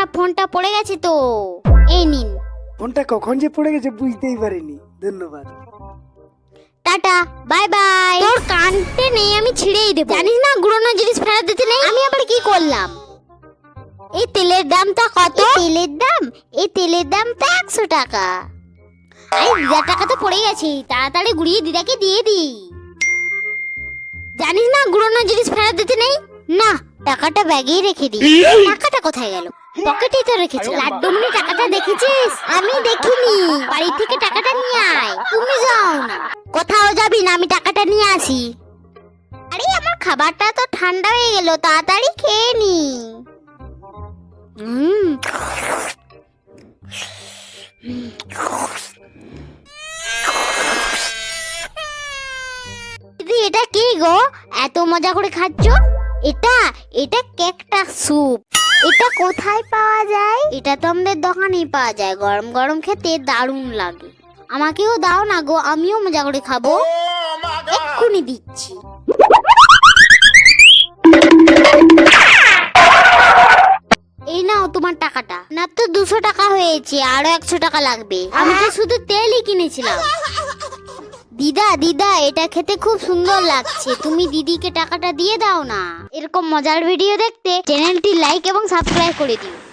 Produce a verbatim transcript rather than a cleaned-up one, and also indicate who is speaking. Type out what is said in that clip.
Speaker 1: আপনার ফোনটা পড়ে গেছে তো, এই নিন।
Speaker 2: ফোনটা কখন যে পড়ে গেছে বুঝতেই পারিনি, ধন্যবাদ।
Speaker 1: Tata, bye bye. তোর কানতে নেই আমি ছিঁড়েই দেবো। জানিস না গুড়ানো জিনিস ফেরত দিতে নেই। আমি আবার কি করলাম? এই তেলের দামটা কত? তেলের দাম এই তেলের দামটা একশো টাকা। আরে দিদার টাকা তো পড়ে গেছে, তাড়াতাড়ি গুড়িয়ে দিদাকে দিয়ে দি। জানিস না গুড়ানো জিনিস ফেরত দিতে নেই। না, টাকাটা ব্যাগেই রেখে দি। টাকাটা কোথায় গেল? পকেটেই তো রেখেছিলাম। লাড্ডুমনি টাকাটা দেখেছিস? আমি দেখিনি। বাড়ি থেকে টাকাটা নিয়ে আয়। তুমি যাও না। কোথাও যাবি না, আমি টাকাটা নিয়ে আসি। আরে আমার খাবারটা তো ঠান্ডা হয়ে গেল, তাড়াতাড়ি খেয়ে নি। হুম দিদি, এটা কি গো, এত মজা করে খাচ্ছ? এটা এটা ক্যাকটাস স্যুপ। এটা কোথায় পাওয়া যায়? এটা তো আমাদের দোকানেই পাওয়া যায়। গরম গরম খেতে দারুণ লাগে। আমাকেও দাও না গো, আমিও মজা করে খাবো। এক্ষুনি দিচ্ছি। এই নাও তোমার টাকাটা। না তো দুশো টাকা হয়েছে, আরো একশো টাকা লাগবে। আমি তো শুধু তেলই কিনেছিলাম। দিদা দিদা, এটা খেতে খুব সুন্দর লাগছে, তুমি দিদিকে টাকাটা দিয়ে দাও না। এরকম মজার ভিডিও দেখতে চ্যানেলটি লাইক এবং সাবস্ক্রাইব করে দিও।